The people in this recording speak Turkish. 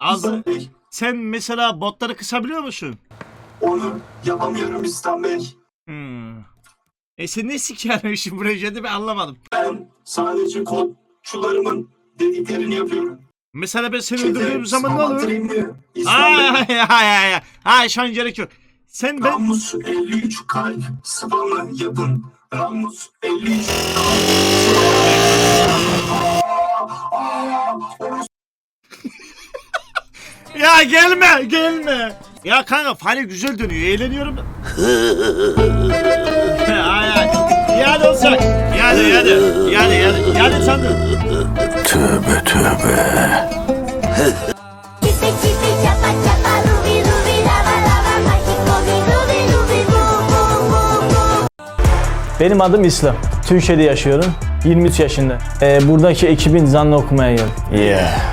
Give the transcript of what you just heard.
Az. Sen mesela botları kısabiliyor musun? Onu yapamıyorum İslam Bey. Sen ne sikiyorsun şimdi buraya ben anlamadım. Ben sadece kodçularımın dediklerini yapıyorum. Mesela ben seni öldürdüğüm zaman ne olur? İslam Bey. Hayır şu an gerek yok. Sen ben... Ramus 53 kalp spamı yapın. Ramus 53 Ya gelme. Ya kanka fani güzel dönüyor, eğleniyorum. Ay. Yani olacak. Yani sandım. Tövbe. Chipi chipi chapa chapa rubi rubi lava lava mágico mi rubi rubi boo boo boo boo. Benim adım İslam. Türkiye'de yaşıyorum. 23 yaşında. Buradaki ekibin zanlı okumaya geldim. Yeah.